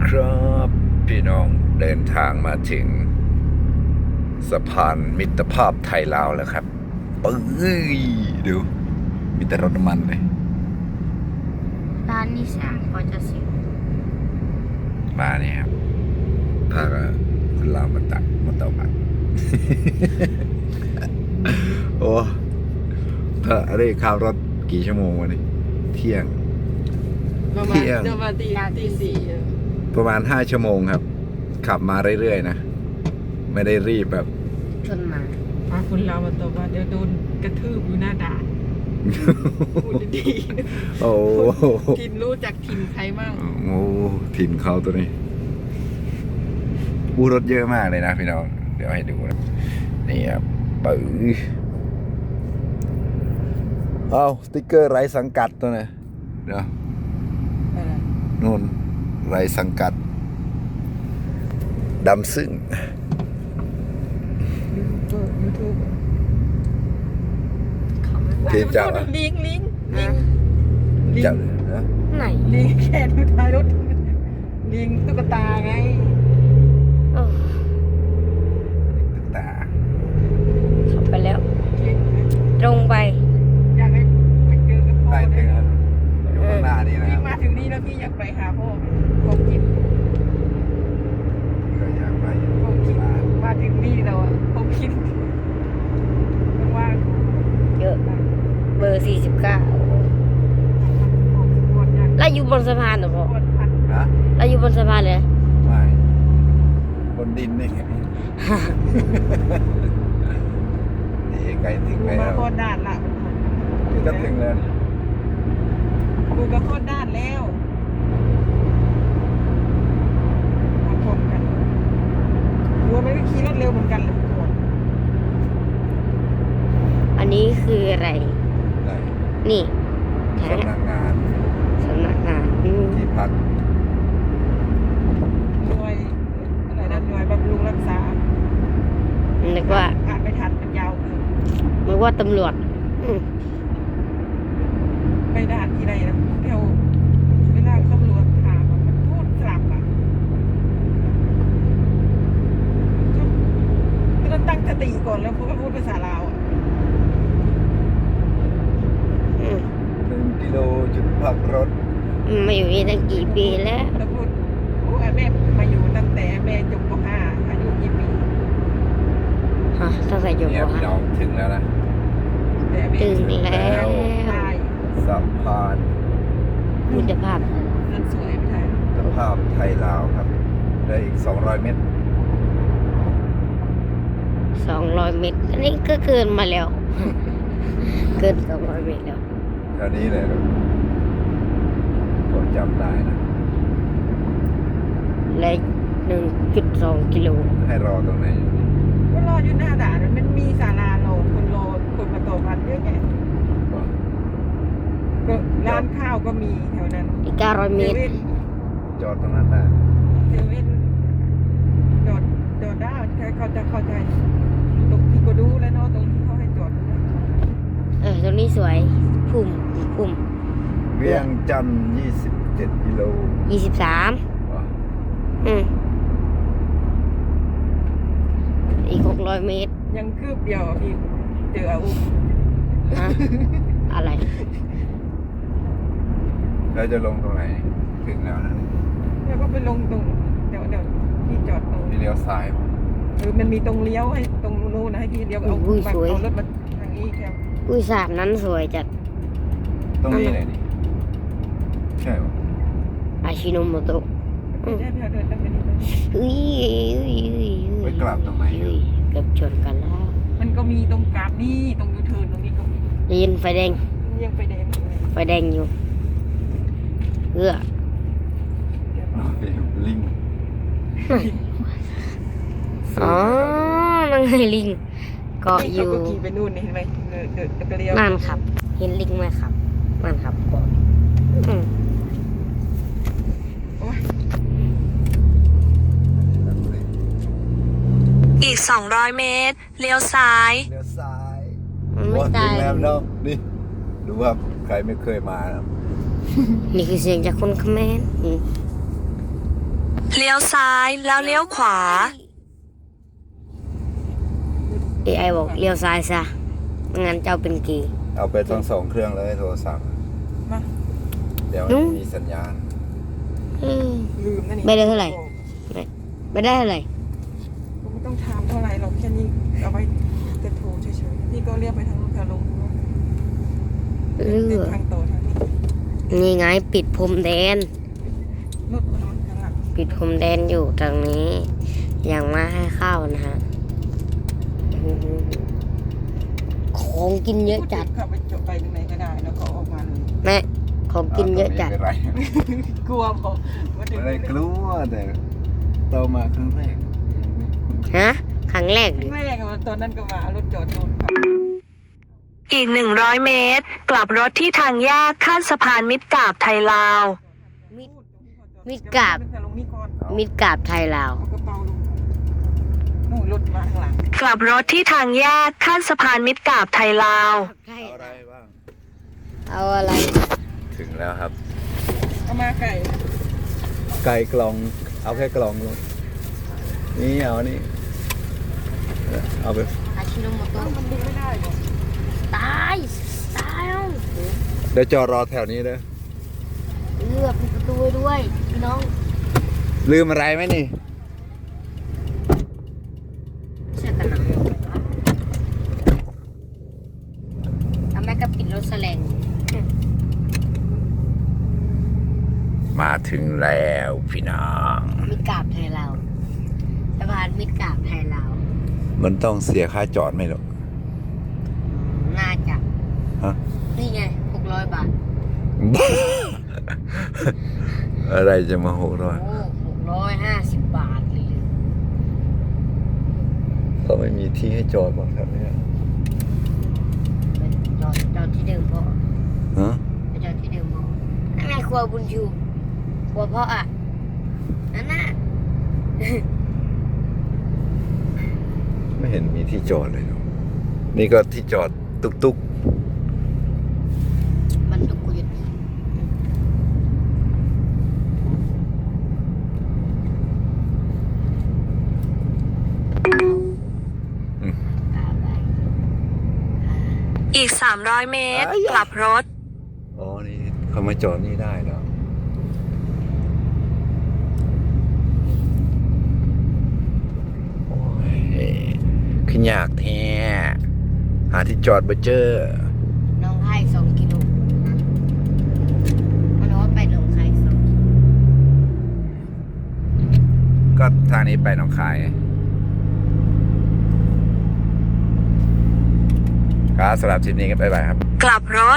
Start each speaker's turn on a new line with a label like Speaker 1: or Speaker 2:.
Speaker 1: ครับพี่น้องเดินทางมาถึงสะพานมิตรภาพไทยลาวแล้วครับปื้ยดูมีแต่รถน้ำมันเลย
Speaker 2: ร้านนี้สร้างก็จะเสร็จ
Speaker 1: มาเนี่ยครับพาคุณลาวมาตักมาเตาบัตร โอ้ถ้าอะไรขับรถกี่ชั่วโมงวันนี้เที่ยง
Speaker 3: ประมาณตีสี่
Speaker 1: ประมาณ5 ชั่วโมงครับขับมาเรื่อยๆนะไม่ได้รีบแบบ
Speaker 2: ชนมา
Speaker 3: คนเรามาตบว่าเดี๋ยวโดนกระทืบอยู่หน้าด่านพูดดี
Speaker 1: โอ้
Speaker 3: ๆทินรู้จักทินใครมั่ง
Speaker 1: โหถิ่นเขาตัวนี้รถเยอะมากเลยนะพี่น้องเดี๋ยวให้ดูนะนี่ครับปื้อเอาสติ๊กเกอร์ไร้สังกัดตัวนี้เดี๋ยวนู่นไร้สังกัดดำซึ่ง
Speaker 3: ยูทูบ
Speaker 1: ที่จับ
Speaker 3: ลิง
Speaker 1: จับนะ
Speaker 2: ไหน
Speaker 3: ลิงแค่ดูท้ายรถลิงตุ๊กตาไง
Speaker 2: โอ้
Speaker 1: ตึกตา
Speaker 2: ขับไปแล้ว ตรงไป
Speaker 3: อยากไปเจอกับพ่อ
Speaker 1: ได้ถึงแล้วอยู่ข้างหน้านี่นะค
Speaker 3: พี่
Speaker 1: รับ
Speaker 3: มาถึงนี่แล้วพี่อยากไปหาพ่อผมคิด
Speaker 1: ก็อยากไปอยู่
Speaker 3: ผมคิด
Speaker 1: ร้าน
Speaker 3: มาถึงนี่แล้วอ่ะผมคิดว่าง
Speaker 2: เยอะเบอร์49
Speaker 3: ๆ
Speaker 2: แล้วอยู่บนสะพานเหรอพ่อ
Speaker 1: นะ
Speaker 2: แล้วอยู่บนสะพานเลย
Speaker 1: ไม่บนดินนี่ไง นี่ใกล้ถึง
Speaker 3: กู
Speaker 1: แล้
Speaker 3: มาว โคตรด้านละ
Speaker 1: นี่ก็ถึงแล้วนี่
Speaker 3: กูก็โคตรด้านแล้วมาชนกันกูไม่ได้ขี่รถเร็วเหมือนกันเลยทุกคน
Speaker 2: อันนี้คืออะไร
Speaker 1: ได้
Speaker 2: นี่แท้
Speaker 1: สำนักงาน
Speaker 2: สำนักงาน
Speaker 1: ที่พัก
Speaker 3: หน่วยอะไรนะหน่วยบำรุงรักษา
Speaker 2: นึกว่า
Speaker 3: อ่านไม่ทันมันยาวเกิน
Speaker 2: นึกว่าตำรวจ
Speaker 3: ไปด่านที่ไหนนะแถวเวลาตำรวจถามอะมันพูดกลับอ่ะต้องตั้งสติก่อนแล้วพูดภาษาลาวอ่ะ
Speaker 1: 1 กิโลจุดพักรถ
Speaker 2: มาอยู่นี่ตั้งกี่ปีแล้ว
Speaker 3: แล้วพูดโอ้แม่มาอยู่ตั้งแต่แม่จบป .5 อายุกี่ปี
Speaker 2: ฮะตั้งแต่อยู่
Speaker 1: เนี่ย
Speaker 2: ป
Speaker 1: พี่น้องถึงแล้วนะ
Speaker 3: แต่แม่
Speaker 2: ถึงแล้ว
Speaker 3: ตาย
Speaker 1: สะพาน
Speaker 2: มิตรภาพ
Speaker 3: นั่นสวยไม่ใช่
Speaker 1: มิตรภาพไทยลาวครับได้อีก200 เมตร
Speaker 2: 200 เมตร อันนี้ก็เกินมาแล้ว เกิน200 เมตรแล้ว
Speaker 1: เท่านี้เลยครับผมจำได้นะ
Speaker 2: และ1.2 กิโล
Speaker 1: ให้รอตรงไหน
Speaker 3: ก็รออยู่หน้าด่านมันมีศาลาโลคนรอคนมาต่อพันเยอะแยะก็ร้านข้าวก็มีแถวนั้น
Speaker 2: อีก900 เม
Speaker 3: เซ
Speaker 2: ตร
Speaker 3: เว่น
Speaker 1: จอดตรงนั้นได้
Speaker 3: เซเว่นจอดได้เขาจะเข้าใจตรงที่ก็ดูแล้วเนาะตรงที่เขาให้จอดนะ
Speaker 2: ตรงนี้สวย พุ่ม
Speaker 1: เวียงจันทร์27 กิโล
Speaker 2: 23
Speaker 1: ว้า
Speaker 2: อีก600 เมตร
Speaker 3: ยังคืบเดียวอะพี่เจออาวุธ
Speaker 2: ฮะ อะไร
Speaker 1: เราจะลงตรงไหนถึงแล้วนะ
Speaker 3: แล้วก็ไปลงตรงเดี๋ยวพี่จอดตรง
Speaker 1: ที่เลี้ยวซ้าย
Speaker 3: มันมีตรงเลี้ยวให้ตรงนู้นนะให้พี่เลี้ยวเอา
Speaker 2: อุ้ย
Speaker 3: บัต
Speaker 2: สวย
Speaker 3: เอารถมาทางนี้แค่
Speaker 2: อุ้ยสามนั้นสวยจัด
Speaker 1: ตรงนี้เลยนี่ใช่ปะ
Speaker 2: อาชิโนโมโตะ
Speaker 3: ไม่ใช่พี่เดินตั้งแต่นี้ไป
Speaker 2: เฮ้ย
Speaker 1: ไปกลับตรงไหน
Speaker 2: เฮ้ยเกือบชนกันแล้ว
Speaker 3: มันก็มีตรงกราบนี่ตรงยูเทิร์นตรงนี้ก็มี
Speaker 2: ได้ยินไฟแดง
Speaker 3: ยังไปแดงอยู่เลย
Speaker 2: ไฟแดงอยู่เพื่อ
Speaker 1: ลิง
Speaker 2: อ๋อนั่งไงลิงเกาะอ
Speaker 3: เขา
Speaker 2: ยู่
Speaker 3: ก็ขี่ไปนู่นนี่เห็นไหมเดินไปเลี้ยว
Speaker 2: นั่นครับ เห็นลิงไหมครับนั่นครับเกาะอืม
Speaker 3: โอ้ย
Speaker 4: อีก 200 เมตร เลี้ยวซ้าย
Speaker 1: เลี้ยวซ้าย
Speaker 2: มันไม่ตาย
Speaker 1: ถึงแล้วเนาะนี่ดูว่าใครไม่เคยมานะ
Speaker 2: นี่คือเสียงจากคนเขมร
Speaker 4: เลี้ยวซ้ายแล้วเลี้ยวขวา
Speaker 2: AI บอกเลี้ยวซ้ายซะไม่งั้นเจ้าเป็นเกย์
Speaker 1: เอาไปทั้งสองเครื่องเลยโทรศัพท์
Speaker 3: มา
Speaker 1: เดี๋ยว
Speaker 2: นุ๊
Speaker 1: มันมีสัญญาณ
Speaker 2: อืม
Speaker 3: ลืมนะนี่
Speaker 2: ไม่ได้เท่าไหร่ ไม่ได้อะไร
Speaker 3: ผมไม่ต้องถามเท่าไหร่หรอกแค่นี้เอาไว้จะโทรเฉยๆพี่ก็เรียกไปทางลูกค้าลง
Speaker 2: เอ
Speaker 3: เดิ
Speaker 2: อน
Speaker 3: ทางต่อทางนี้
Speaker 2: นี่ไงปิดพรมแดน
Speaker 3: รถมันข้างหลัง
Speaker 2: ปิดพรมแดนอยู่ตรงนี้ ยังไม่ให้เข้านะฮะของกินเยอะจัด
Speaker 3: เข้าไปจบไปตรงไหนก็ได้แล้วก็ออกมาเลย
Speaker 2: แม่ของกินเยอะจัด
Speaker 1: ไม่เป็นไร
Speaker 3: กลัวผมว่าเดี๋ยว
Speaker 1: ไม่ได้กลัวแต่โตมาครั้งแรก
Speaker 2: ฮะ ครั้งแรกดิ
Speaker 3: แรกอะตอนนั้นก็มารถจอดโดนขับ
Speaker 4: อีก 100 เมตร กลับรถที่ทางแยกข้ามสะพานมิตรกาบไทยลาว
Speaker 2: มิดกาบ
Speaker 3: ลงนี่ก่อน
Speaker 2: มิดกาบไทยลาว
Speaker 3: เอากระเป๋าลงนู่นรถมาข้างหลัง
Speaker 4: กลับรถที่ทางแยกข้ามสะพานมิตรกาบไทยลาว
Speaker 1: เอาอะไรบ้าง
Speaker 2: เอาอะไร
Speaker 1: ถึงแล้วครับ
Speaker 3: เอามาไก่
Speaker 1: ไก่กล่อง เอาแค่กล่องลงนี่เอานี่เอาไป
Speaker 2: อาชิโนโมโตะ
Speaker 3: มันดึงไม่ได้หรอก
Speaker 2: ตาย ตายเอา
Speaker 1: เดี๋ยวจอดรอแถวนี้เด้อ
Speaker 2: เลือกปิดประตูไว้ด้วยพี่น้อง
Speaker 1: ลืมอะไรไหมนี่
Speaker 2: เสื้อกันหนาวทำไมก็ปิดรถแสลง
Speaker 1: มาถึงแล้วพี่น้อง
Speaker 2: มิดกาบไทยลาวสะพานมิดกาบไทยลาว
Speaker 1: มันต้องเสียค่าจอดไหมหรอก
Speaker 2: น่าจะ
Speaker 1: ฮะ
Speaker 2: นี่ไง600 บาท
Speaker 1: อะไรจะมา600
Speaker 2: โอ้650 บาทเลย
Speaker 1: เขาไม่มีที่ให้จอดบ้างครับเนี่ย
Speaker 2: จอดที่เดิมพ่อ
Speaker 1: ฮะ
Speaker 2: ไปจอดที่เดิมพ่อนั่นไงครัวบุญชูครัวพ่ออ่ะ นั่นน่ะ
Speaker 1: ไม่เห็นมีที่จอดเลยเนอะนี่ก็ที่จอดตุก
Speaker 2: มันตุกกุยด
Speaker 1: ๆอืม
Speaker 2: กาบไป
Speaker 4: อีก 300 เมตร กลับรถ
Speaker 1: อ๋อ นี่เขามาจอดนี่ได้เหรอโอ้ยขึ้นยากแท้หาที่จอดบ่เจอ
Speaker 2: น้องไข่2 กิโลนะมันว่าไปน้องไข่2 กิโล
Speaker 1: ก็ทางนี้ไปหนองคายครับสำหรับทริปนี้ก็บ๊ายบายครับ
Speaker 4: กลับรถ